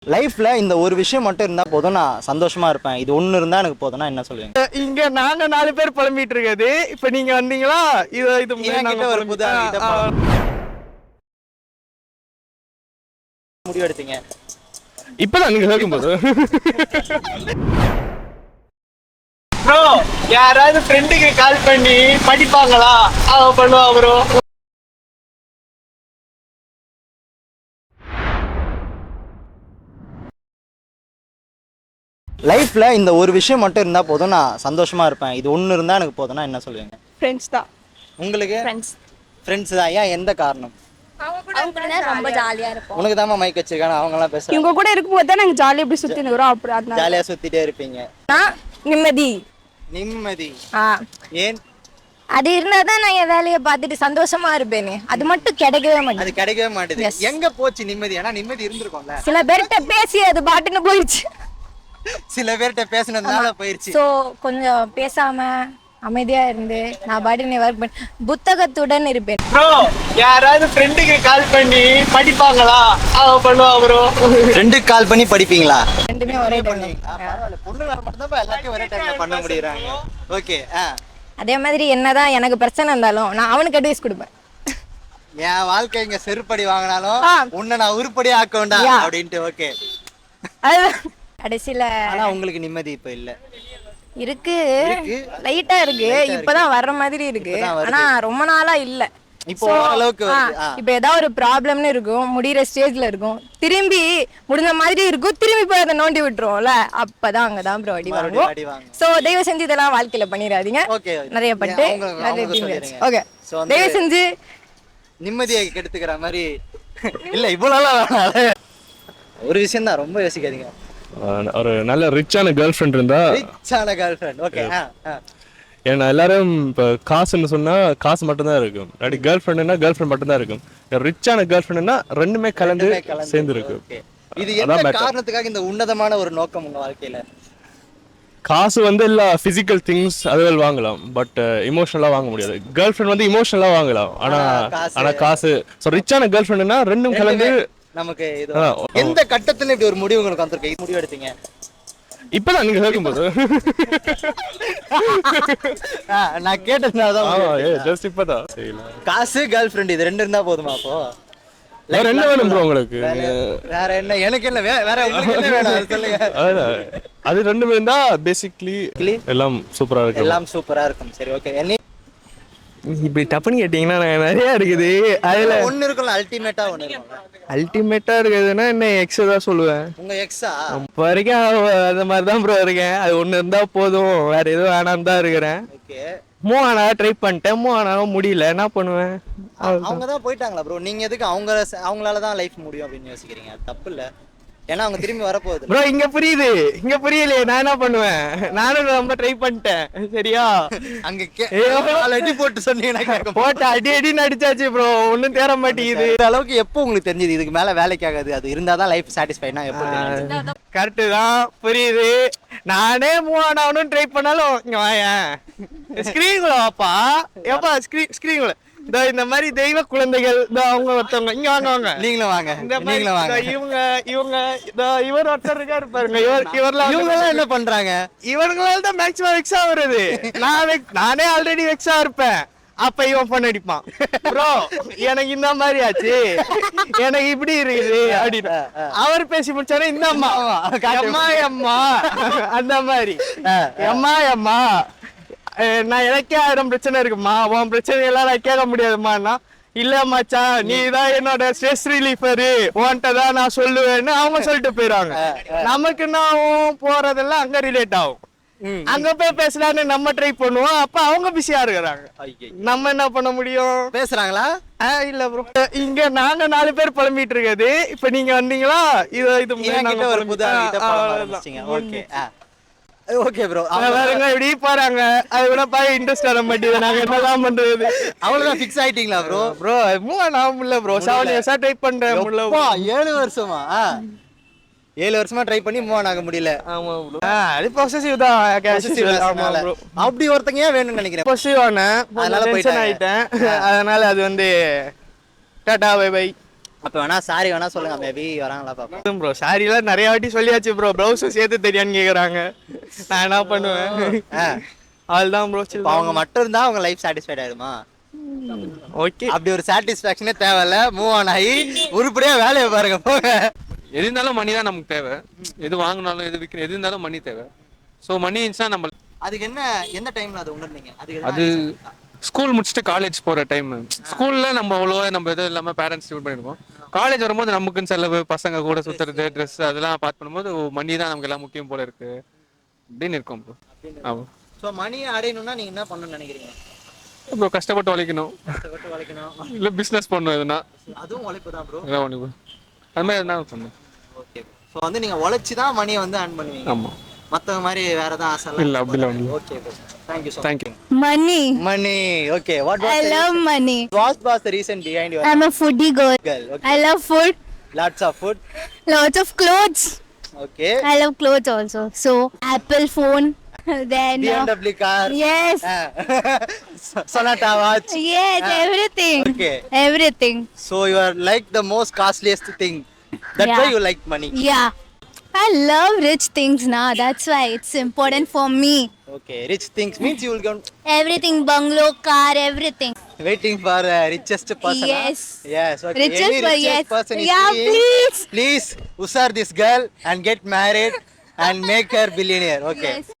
லைஃப்ல இந்த ஒரு விஷயம் மட்டும் இருந்தா போதும் நான் சந்தோஷமா இருப்பேன். இது ஒண்ணு இருந்தா எனக்கு போதும்னா என்ன சொல்லுவீங்க? இங்க நாங்க 4 பேர் புலம்பிட்டு இருக்காது. இப்ப நீங்க வந்தீங்களா? இது என்கிட்ட ஒரு புது முடிவு எடுத்தீங்க. இப்பதான் நீங்க கேட்கும்போது ப்ரோ யாராவது ஃப்ரெண்டுக்கு கால் பண்ணி படிப்பாங்களா? பண்ணுவா ப்ரோ. லைஃப்ல இந்த ஒரு விஷயம் மட்டும் இருந்தா போதும் நான் சந்தோஷமா இருப்பேன். இது ஒண்ணு இருந்தா எனக்கு போதும்னா என்ன சொல்லுவீங்க? ஃப்ரெண்ட்ஸ் தான். உங்களுக்கு ஃப்ரெண்ட்ஸ். ஃப்ரெண்ட்ஸ் தான். ஏன் எந்த காரணம்? அவங்க கூட ரொம்ப ஜாலியா இருப்போம். உனக்கு தான் மைக் வச்சிருக்காங்க, அவங்க எல்லாம் பேசுறாங்க. இவங்க கூட இருக்கும்போது தான் நாங்க ஜாலியா இப்படி சுத்தி நிக்கிறோம். அப்படி அதனால ஜாலியா சுத்திட்டே இருப்பீங்க. நிம்மதி. நிம்மதி. ஏன்? அது இருந்தாதான் நான் என் வேலையை பார்த்துட்டு சந்தோஷமா இருப்பேனே. அது மட்டும் கிடைக்கவே மாட்டேங்குது. அது கிடைக்கவே மாட்டேங்குது. எங்க போச்சு நிம்மதி? ஆனா நிம்மதி இருந்திருக்கும்ல. சில பேர்கிட்ட பேசி அது பாட்டுன்னு போயிடுச்சு. சில பேர்கிட்ட பேசினதுனால போயிடுச்சு. சோ கொஞ்சம் பேசாம அமைதியா இருந்து நான் பாட்டுன்னு ஒர்க் பண்ண புத்தகத்துடன் இருப்பேன். ப்ரோ யாராவது ஃப்ரெண்டுக்கு கால் பண்ணி படிப்பாங்களா? பண்ணுவா ப்ரோ. ஃப்ரெண்டுக்கு கால் பண்ணி படிப்பீங்களா? ரெண்டுமே ஒரே டைம். பரவாயில்ல, பொண்ணுங்க மட்டும் தான் எல்லாத்தையும் ஒரே டைம்ல பண்ண முடியறாங்க. ஓகே. அதே மாதிரி என்னதான் எனக்கு பிரச்சனை இருந்தாலும் நான் அவனுக்கு அட்வைஸ் கொடுப்பேன். என் வாழ்க்கை இங்க செருப்படி வாங்கினாலும் உன்னை நான் உருப்படி ஆக்க வேண்டாம் அப்படின்ட்டு. ஓகே. கடைசியில ஆனா உங்களுக்கு நிம்மதி இப்ப இல்ல. இருக்கு, லைட்டா இருக்கு. இப்பதான் வர்ற மாதிரி இருக்கு. ஆனா ரொம்ப நாளா இல்ல. இப்போ அளவுக்கு இப்ப ஏதாவது ஒரு ப்ராப்ளம்னு இருக்கும், முடிகிற ஸ்டேஜ்ல இருக்கும், திரும்பி முடிஞ்ச மாதிரி இருக்கும், திரும்பி போய் அதை நோண்டி விட்டுருவோம்ல, அப்பதான் அங்கதான் ப்ரோ அடி வாங்குவோம். சோ தயவு செஞ்சு இதெல்லாம் வாழ்க்கையில பண்ணிடாதீங்க. நிறைய பட்டு ஓகே, தயவு செஞ்சு நிம்மதியை கெடுத்துக்கிற மாதிரி இல்ல. இவ்வளவு ஒரு விஷயம் தான், ரொம்ப யோசிக்காதீங்க. ஒரு நல்ல ரிச்சான கேர்ள் ஃப்ரெண்ட் இருந்தா. ரிச்சான கேர்ள் ஃப்ரெண்ட். ஓகே. ஏன்னா எல்லாரும் இப்போ காசுன்னு சொன்னா காசு மட்டும்தான் இருக்கும். அப்படி கேர்ள் ஃப்ரெண்ட்னா கேர்ள் ஃப்ரெண்ட் மட்டும்தான் இருக்கும். ரிச்சான கேர்ள் ஃப்ரெண்ட்னா ரெண்டுமே கலந்து சேர்ந்து இருக்கு. இது என்ன காரணத்துக்காக இந்த உன்னதமான ஒரு நோக்கம் உங்க வாழ்க்கையில? காசு வந்து எல்லா பிசிக்கல் திங்ஸ் அதுகள் வாங்கலாம், பட் இமோஷனலா வாங்க முடியாது. கேர்ள் ஃப்ரெண்ட் வந்து இமோஷனலா வாங்கலாம், ஆனா காசு. ஸோ ரிச்சான கேர்ள் ஃப்ரெண்ட்னா ரெண்டும் கலந்து நமக்கு. எந்த கட்டத்துல இப்படி ஒரு முடிவு உங்களுக்கு வந்திருக்கு? முடிவு எடுத்தீங்க இப்பதான் நீங்க கேட்கும்போது நான் கேட்டதுனாலதான். ஜஸ்ட் இப்பதான். காசு கேர்ள் ஃப்ரெண்ட் இது ரெண்டு இருந்தா போதுமா? அப்போ வேற என்ன வேணும் ப்ரோ உங்களுக்கு? வேற என்ன? எனக்கு என்ன வேற உங்களுக்கு என்ன வேணும் சொல்லுங்க. அது ரெண்டுமே இருந்தா பேசிக்கலி எல்லாம் சூப்பரா இருக்கு. எல்லாம் சூப்பரா இருக்கும். சரி, ஓகே. இப்படி டப்புன்னு கேட்டீங்கன்னா நிறைய இருக்குது. அதுல ஒண்ணு இருக்குல்ல, அல்டிமேட்டா ஒண்ணு இருக்கும். அல்டிமேட்டா இருக்குதுன்னா என்ன எக்ஸ் தான் சொல்லுவேன். உங்க எக்ஸா? இப்போ வரைக்கும் அந்த மாதிரி தான் ப்ரோ இருக்கேன். அது ஒண்ணு இருந்தா போதும், வேற எதுவும் வேணாம் தான் இருக்கிறேன். ஓகே. மூவ் ஆனா ட்ரை பண்ணிட்டேன், மூவ் ஆனாலும் முடியல, என்ன பண்ணுவேன்? அவங்க தான் போயிட்டாங்களா ப்ரோ? நீங்க எதுக்கு அவங்களால தான் லைஃப் முடியும் அப்படின்னு யோசிக்கிறீங்க? தப்பு இல்ல, ஏன்னா அவங்க திரும்பி வரப்போகுது ப்ரோ. இங்க புரியுது, இங்க புரியலையே. நான் என்ன பண்ணுவேன்? நானும் ரொம்ப ட்ரை பண்ணிட்டேன். சரியா? அங்க அடி போட்டு சொன்னீங்கன்னா போட்டு அடி அடிச்சாச்சு ப்ரோ, ஒன்னும் தேர மாட்டேங்குது. இந்த அளவுக்கு எப்போ உங்களுக்கு தெரிஞ்சது இதுக்கு மேல வேலைக்கு ஆகாது, அது இருந்தாதான் லைஃப் சாட்டிஸ்ஃபைனா? எப்போ? கரெக்டு தான், புரியுது. நானே மூவ் ஆனாலும் ட்ரை பண்ணாலும் இங்க வாயேன் ஸ்கிரீன்குள்ள வாப்பா. ஏப்பா ஸ்கிரீன்குள்ள இந்த மாதிரி தெய்வ குழந்தைகள் அவங்க ஒருத்தவங்க இங்க வாங்க. நீங்களும் வாங்க. இவர் ஒருத்தர் இருக்காரு பாருங்க. இவங்க என்ன பண்றாங்க? இவங்களால தான் மேக்ஸிமம் வெக்ஸா வருது. நானே ஆல்ரெடி வெக்ஸா இருப்பேன். அப்ப இவன் பண்ண அடிப்பான். ப்ரோ எனக்கு இந்த மாதிரி ஆச்சு, எனக்கு இப்படி இருக்குது அப்படின்னு அவர் பேசி முடிச்சாரு. இந்த அம்மா அம்மா அந்த மாதிரி அம்மா நான் எனக்கே 1000 பிரச்சனை இருக்குமா, உன் பிரச்சனை எல்லாம் கேட்க முடியாதுமான்னா, இல்ல மச்சான் நீ தான் என்னோட ஸ்ட்ரெஸ் ரிலீஃபரு, உன்கிட்ட தான் நான் சொல்லுவேன்னு அவங்க சொல்லிட்டு போயிடுவாங்க. நமக்கு நான் போறதெல்லாம் அங்க ரிலேட் ஆகும். அங்க போய் பேசலான்னு நம்ம ட்ரை பண்ணுவோம், அப்ப அவங்க பிஸியா இருக்கிறாங்க. நம்ம என்ன பண்ண முடியும்? பேசுறாங்களா? இல்ல ப்ரோ, இங்க நாங்க 4 பேர் புலம்பிட்டு இருக்காது. இப்ப நீங்க வந்தீங்களா? இது ஒரு புது. ஓகே. ஓகே ப்ரோ, அவங்க இப்படி போறாங்க. அது கூட பாய் இன்ட்ரெஸ்ட் வர மாட்டேங்குது. நாங்க என்னதான் பண்றது? அவ்வளவுதான் ஃபிக்ஸ் ஆயிட்டீங்களா ப்ரோ? ப்ரோ மூவ் நான் முடியல ப்ரோ. 7 இயர்ஸா ட்ரை பண்றேன், முடியல. 7 வருஷமா? 7 வருஷமா ட்ரை பண்ணி மூவ் ஆக முடியல. ஆமா ப்ரோ. அது பொசசிவ் தான். ஆமா ப்ரோ. அப்படி ஒருத்தங்க ஏன் வேணும்னு நினைக்கிறேன். பொசசிவ் ஆனேன், அதனால டென்ஷன் ஆயிட்டேன். அதனால அது வந்து டாடா பை பை. அப்ப வேணா சாரி வேணா சொல்லுங்க, மேபி வராங்களா பாப்போம். ப்ரோ சாரிலாம் நிறைய வாட்டி சொல்லியாச்சு ப்ரோ. ப்ளவுஸும் சேர்த்து தெரியான்னு கேக்குறாங்க. நான் என்ன பண்ணுவேன்? அதுதான் ப்ரோ. இப்ப அவங்க மட்டும் இருந்தா அவங்க லைஃப் சாட்டிஸ்ஃபைட் ஆயிடுமா? ஓகே, அப்படி ஒரு சாட்டிஸ்ஃபேக்ஷனே தேவையில்ல, மூவ் ஆன் ஆகி உருப்படியா வேலையை பாருங்க போங்க. எது இருந்தாலும் மணி தான் நமக்கு தேவை. எது வாங்கினாலும் எது விற்கணும் எது இருந்தாலும் மணி தேவை. ஸோ மணி இருந்துச்சுன்னா நம்ம அதுக்கு என்ன எந்த டைம்ல அது உணர்ந்தீங்க? அது ஸ்கூல் முடிச்சுட்டு காலேஜ் போகிற டைம். ஸ்கூலில் நம்ம அவ்வளோ நம்ம எதுவும் இல்லாமல் பேரண்ட்ஸ் டியூட் பண்ணியிருக்கோம். காலேஜ் வரும்போது நமக்குன்னு செலவு, பசங்க கூட சுற்றுறது, ட்ரெஸ் அதெல்லாம் பார்த்து பண்ணும்போது மணி தான் நமக்கு எல்லாம் முக்கியம் போல இருக்கு அப்படின்னு இருக்கும் ப்ரோ. ஆமாம். ஸோ மணியை அடையணும்னா நீங்க என்ன பண்ணணும்னு நினைக்கிறீங்க? ப்ரோ கஷ்டப்பட்டு உழைக்கணும், கஷ்டப்பட்டு உழைக்கணும். இல்லை பிஸ்னஸ் பண்ணணும், எதுனா அதுவும் உழைப்பு தான் ப்ரோ. எதாவது ஒன்று அது மாதிரி எதுனா பண்ணணும். ஓகே. ஸோ வந்து நீங்க உழைச்சி தான் மணியை வந்து earn பண்ணுவீங்க. ஆமாம். மத்தவங்க மாதிரி வேற ஏதாவது ஆசை இல்லை அப்படிலாம் ஒன்று. Okay bro, thank you so thank you. Money. Money. Okay, what I love money. what was the reason behind your I'm a foodie girl. girl? Okay. I love food. Lots of food. Lots of clothes. Okay. I love clothes also. So Apple phone. Then BMW car. yes. Sonata watch. Yes, everything. Okay. Everything. So you are like the most costliest thing. That's why Yeah. you like money. Yeah. I love rich things now. That's why it's important for me. Okay, rich things means you will go Everything, bungalow, car, everything. waiting for richest person. huh? Yes. Yes. Okay. Richest, Any but richest yes. person is Yeah, seeing, please. please usar this girl and get married and make her billionaire. Okay. Yes.